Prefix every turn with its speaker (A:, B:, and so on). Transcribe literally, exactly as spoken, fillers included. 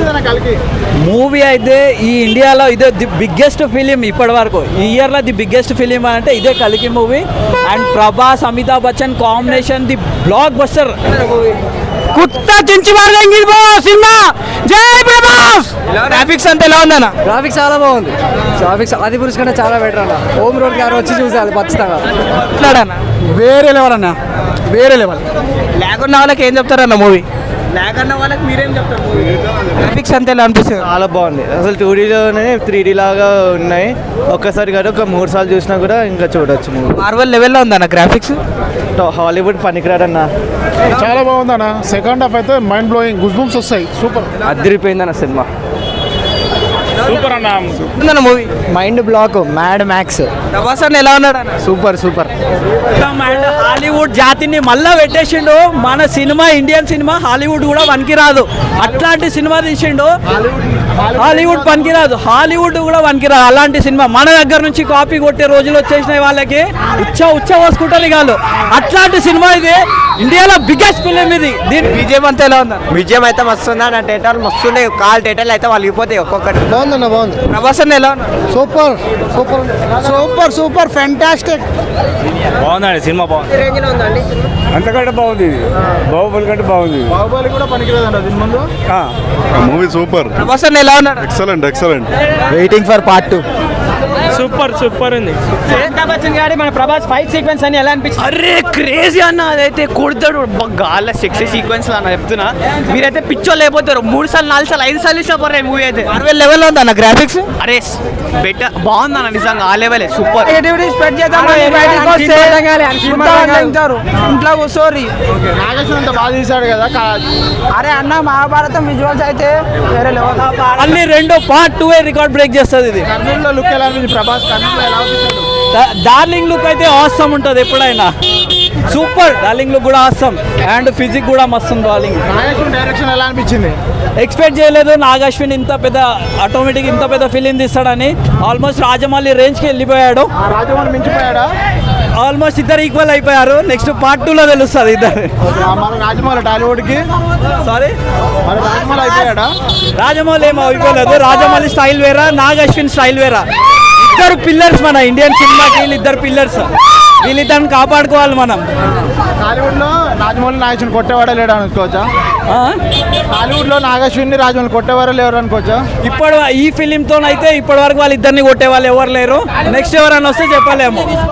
A: Movie అయితే ఈ ఇండియాలో ఇదే ది బిగ్గెస్ట్ ఫిలిం ఇప్పటి వరకు ఈ ఇయర్లో ది బిగ్గెస్ట్ ఫిలిం అంటే ఇదే కలికి movie. And Prabhas Amitabh Bachchan combination the blockbuster.
B: కుత్త చించి సినిమా జై ప్రభాస్. గ్రాఫిక్స్ అంతా ఎలా ఉందన్న?
C: గ్రాఫిక్స్ చాలా బాగుంది. గ్రాఫిక్స్ ఆది పురుష్ కంటే చాలా బెటర్ అన్న. హోమ్ రోడ్ గారు వచ్చి చూసాలి ఖచ్చితంగా.
B: వేరే లెవెల్ అన్న, వేరే లెవెల్. లేకున్న వాళ్ళకి ఏం చెప్తారన్న మూవీ? లేకన్న వాళ్ళకి మీరేం చెప్తారు? గ్రాఫిక్స్ అంతా ఎలా అనిపిస్తుంది?
C: చాలా బాగుంది. అసలు టూ డీలోనే త్రీ డీ లాగా ఉన్నాయి. ఒక్కసారి కాదు ఒక మూడు సార్లు చూసినా కూడా ఇంకా చూడొచ్చు మూవీ.
B: మార్వల్ లెవెల్లో ఉందన్న గ్రాఫిక్స్.
C: హాలీవుడ్ పనికిరాడన్న.
D: చాలా బాగుందన్న. సెకండ్ హాఫ్ అయితే మైండ్ బ్లోయింగ్, గుస్ బంప్స్ వస్తాయి. సూపర్
C: అదిరిపోయిందన్న సినిమా.
D: సూపర్ అన్న
B: movie.
C: Mind block, mad max.
B: Prabhas అన్న ఎలా ఉన్నాడు అన్న?
C: Super super.
A: అండ్ హాలీవుడ్ జాతిని మళ్ళా పెట్టేసిండు. మన సినిమా ఇండియన్ సినిమా హాలీవుడ్ కూడా పనికిరాదు, అట్లాంటి సినిమా తీసిండు. హాలీవుడ్ పనికిరాదు, హాలీవుడ్ కూడా పనికిరాదు అలాంటి సినిమా. మన దగ్గర నుంచి కాపీ కొట్టే రోజులు వచ్చేసినాయి వాళ్ళకి. ఉచ్చ ఉచ్చ పోసుకుంటారు కాదు, అట్లాంటి సినిమా ఇది. ఇండియాలో బిగ్గెస్ట్ ఫిలిం ఇది. దీని
B: విజయం అంతా ఎలా ఉందా?
C: విజయం అయితే మస్తుందా నా థియేటర్ మస్తుండే. కాల్ థియేటర్లు అయితే వాళ్ళు ఇపోతాయి ఒక్కొక్కటి.
D: బాగుందన్న బాగుంది.
B: ప్రభాస్ అన్న ఎలా ఉన్నారు?
D: Super super super super fantastic.
E: బాగుందండి సినిమా, బాగుంది. అంతకంటే బాగుంది, బాహుబలి కంటే బాగుంది.
D: బాహుబలి కూడా పనికిరాదండి దీని ముందు.
F: Movie super.
B: ప్రభాస్ అన్న ఎలా ఉన్నాడు?
F: Excellent excellent.
C: Waiting for part two.
E: Super super ఉంది.
B: అమితాబ్ బచ్చన్ గారి మన ప్రభాస్ ఫైట్ సీక్వెన్స్ అని ఎలా అనిపించింది?
C: అరే క్రేజీ అన్న, అదైతే కొడతాడు గాళ్ళ సెక్సీ సీక్వెన్స్ అన్న చెప్తున్నా. మీరైతే పిచ్చోళ్ళు అయిపోతారు. మూడు సార్లు నాలుగు సార్లు ఐదు సార్లు ఇష్టపడరు మూవీ అయితే.
B: మార్వెల్ లెవెల్లో ఉంది అన్న గ్రాఫిక్స్.
C: అరే బెటర్ బాగుంది అన్న, నిజంగా ఆ లెవెల్ సూపర్.
B: ఇంట్లో కూర్చోరి.
D: నాగేశ్వర అంత బాగా తీశాడు కదా.
B: అరే అన్న మహాభారతం విజువల్స్ అయితే వేరే లెవెల్.
A: మళ్ళీ రెండో పార్ట్ టూ రికార్డ్ బ్రేక్ చేస్తుంది ఇది.
D: కర్నూలులో లుక్ ఎలా ఉంది? ప్రభాస్ కర్నూలులో ఎలా ఉంది?
A: డార్లింగ్ లుక్ అయితే ఆసమ్ ఉంటుంది ఎప్పుడైనా. సూపర్. డార్లింగ్ లుక్ కూడా ఆసమ్ అండ్ ఫిజిక్ కూడా మస్తు ఉంది. డార్లింగ్
D: నాగేశ్వర డైరెక్షన్ ఎలా అనిపించింది?
A: ఎక్స్పెక్ట్ చేయలేదు నాగశ్విన్ ఇంత పెద్ద ఆటోమేటిక్ ఇంత పెద్ద ఫిలిం తీస్తాడని. ఆల్మోస్ట్ రాజమౌళి రేంజ్కి వెళ్ళిపోయాడు.
D: రాజమౌళి మించిపోయాడా?
A: ఆల్మోస్ట్ ఇద్దరు ఈక్వల్ అయిపోయారు. నెక్స్ట్ పార్ట్ టూలో తెలుస్తుంది ఇద్దరు.
D: మన రాజమౌళి టాలీవుడ్కి
A: సారీ
D: మన రాజమౌళి అయిపోయాడా?
A: రాజమౌళి ఏమో అయిపోలేదు. రాజమౌళి స్టైల్ వేరా, నాగశ్విన్ స్టైల్ వేరా. ఇద్దరు పిల్లర్స్ మన ఇండియన్ సినిమాకి. వీళ్ళిద్దరు పిల్లర్స్, వీళ్ళిద్దరిని కాపాడుకోవాలి మనం.
D: టాలీవుడ్లో రాజమౌళి నాగేశ్వరిని కొట్టేవాడే లేడు అనుకోవచ్చా? టాలీవుడ్లో నాగేశ్వరిని రాజమౌళి కొట్టేవారే లేరు అనుకోవచ్చా?
A: ఇప్పుడు ఈ ఫిలింతో అయితే ఇప్పటి వరకు వాళ్ళిద్దరిని కొట్టే వాళ్ళు ఎవరు లేరు. నెక్స్ట్ ఎవరైనా వస్తే చెప్పలేము.